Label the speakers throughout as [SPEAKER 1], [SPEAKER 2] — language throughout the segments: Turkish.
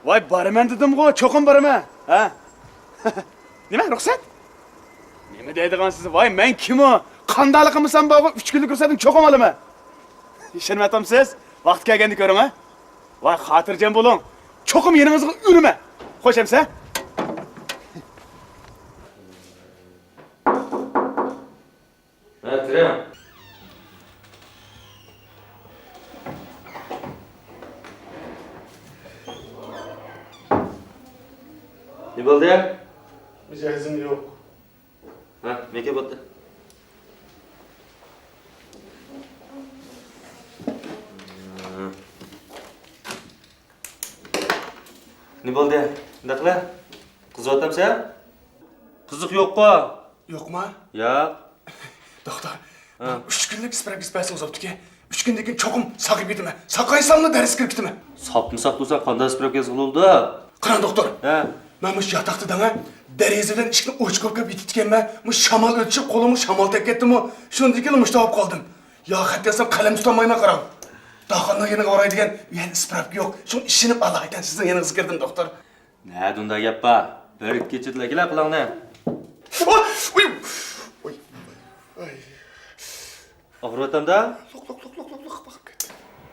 [SPEAKER 1] Vay baraman dedim-ku, ço'qim baraman. Ha? Nima, ruxsat? Nima deydigansiz? Vay, men kim o? Qandaligimsan bog'i 3 kunlik ruxsatim ço'qim olaman. Ishonmatamsiz? Vaqt kelganda ko'ring, ha? Vay, xotirjam bo'ling. Ço'qim yeningizga urma. Xo'sh emsa?
[SPEAKER 2] Ha, kiring. Ne bo'ldi ya?
[SPEAKER 1] Mijozim yo'q.
[SPEAKER 2] Ha, nega bo'ldi? Ne bo'ldi ya? Bunday qila? Qizyapsan? Qiziq yo'q-ku.
[SPEAKER 1] Yo'qmi?
[SPEAKER 2] Yo'q.
[SPEAKER 1] Doktor, 3 kunlik isparak ispasınız oldu-ki. 3 günden keyin ço'qim saqib ketdimi? Saqaysammi dars kirib ketdimi?
[SPEAKER 2] Sapmı bo'lsa qanday spravka yozildi?
[SPEAKER 1] Qarang doktor.
[SPEAKER 2] Ha.
[SPEAKER 1] Men mush yotoqdadan derazadan ishni ochib kelib yetitganman. Mush shamol o'tishib qo'limga shamol tegib ketdimi? Shundan keyin mushta olib qoldim. Yo, xatasam qalam tutolmayman qarang. Doxonning yeniga oraydigan yana isparak yo'q. Shuni ishinib Allah ekan sizning yaningizga kirdim doktor.
[SPEAKER 2] Ne dunda gap bor? Bir kechirdilar qilingni.
[SPEAKER 1] Uy.
[SPEAKER 2] Og'riyotamda?
[SPEAKER 1] Loq baqib ketdi.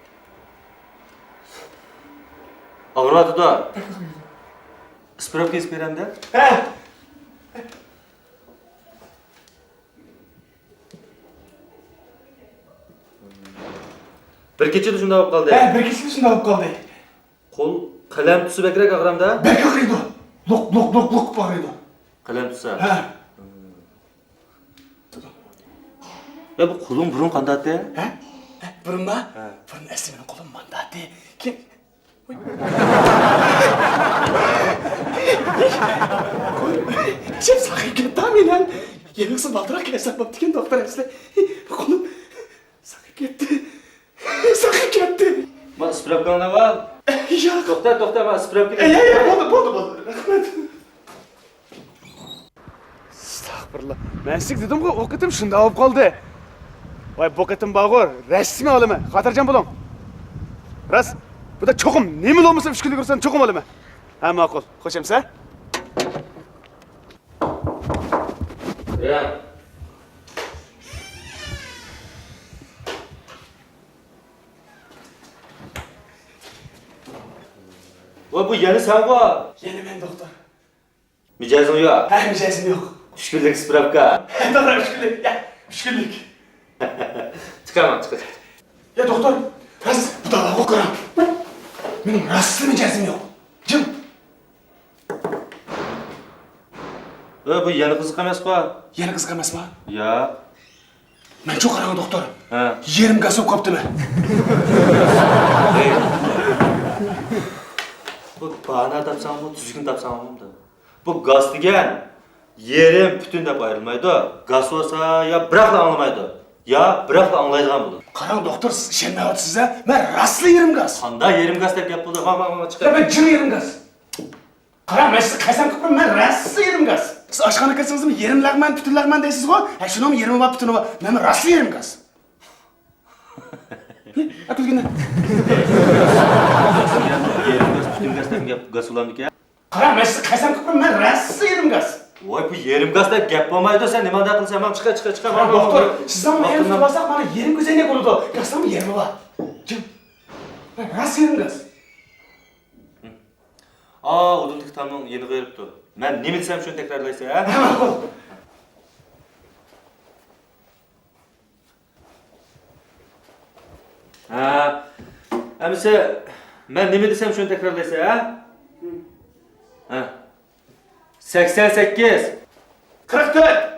[SPEAKER 2] Og'riyotdi. Spravka yozib beramda?
[SPEAKER 1] Ha.
[SPEAKER 2] Bir kechada shunday bo'lib qoldi.
[SPEAKER 1] Ha, bir kishini shunday olib qoldi.
[SPEAKER 2] Qo'l qalam tutsa bakrak og'ramda?
[SPEAKER 1] Bek og'riydi. Loq og'riydi.
[SPEAKER 2] Qalam tutsa.
[SPEAKER 1] Ha.
[SPEAKER 2] Ya bu qo'lim burun qandaydi?
[SPEAKER 1] Ha? Burunma? Burun asli mening qo'lim mandati. Kim? Kim saqib ketdi menen? Yenisi baldiroq kasab bo'pti doktor asli. Qo'lim saqib ketdi. Saqib ketdi.
[SPEAKER 2] Ma spravkangni ol.
[SPEAKER 1] Yo'q.
[SPEAKER 2] To'xta, ma spravka.
[SPEAKER 1] Bo'ldi. Rahmat. Astagfirullah. Men sizga dedim-ku, o'qitim shunda olib qoldi. Vay bokatim bog'or, rasmiy olaman. Xotirjam bo'ling. Ras, bu da ço'qim. Nima bo'lmasa 3 kunlik ursan ço'qim olaman. Ha, ma'qul. Xo'sh emsa?
[SPEAKER 2] Ya. Voy bu yeni sen bu.
[SPEAKER 1] Yeni men doktor.
[SPEAKER 2] Mijozing yo'q.
[SPEAKER 1] Ha, mijozim yo'q.
[SPEAKER 2] 3 kunlik spravka.
[SPEAKER 1] To'g'ri, 3 kunlik. Ya, 3 kunlik.
[SPEAKER 2] Chiqaman.
[SPEAKER 1] Ya doktor, ras bu da o'qiram. Mening rasmiy mijozim yo'q. Jim.
[SPEAKER 2] Bu yeni qiziq emas-ku.
[SPEAKER 1] Yeni qiziq emasmi?
[SPEAKER 2] Yo'q.
[SPEAKER 1] Men çok qarang doktor.
[SPEAKER 2] Ha.
[SPEAKER 1] Yerim gaz olib qoptimi?
[SPEAKER 2] Bu bana tapsanmı, tuzgun tapsanmı da. Bu gaz degan yerim bütün deb ayrılmaydı. Gaz olsa ya bırakla anlamaydı. Ya bırakla anlaydigan bo'ladi.
[SPEAKER 1] Qarang doktor, siz ishonmayapsiz a? Men rasli yerim gaz.
[SPEAKER 2] Qanday yerim gaz deb gap bo'ldi? Ma chiqar.
[SPEAKER 1] Ben jim yerim gaz. Qarang, men sizni qaysam qilib men rasli yerim gaz. Siz oshxona kirsangizmi yerim lag'man, butun lag'man deysiz-ku? Ha, shunimi yerim va butuni va men rasli yerim gaz. Akılgina.
[SPEAKER 2] Yerim gaz, bütün gaz deb gap gaz ulandık.
[SPEAKER 1] Qarang, men sizni qaysam qilib men rasli yerim gaz.
[SPEAKER 2] Voy bu yerim gaz deb gap bo'lmaydi. Sen nima da qilsam ham chiqa.
[SPEAKER 1] Qarang doktor, sizdan men yerim tutmasak mana yerim go'zaylik bo'ladi. Gazdan yerim va. Jim. Men rasli yerim gaz.
[SPEAKER 2] Udumlik tamam yeni qo'yibdi. Men nima desam shuni takrorlaysan, ha?
[SPEAKER 1] Ma'qul.
[SPEAKER 2] Ha. Amisa men nima desam shuni takrorlaysan, ha? Ha. 88
[SPEAKER 1] 44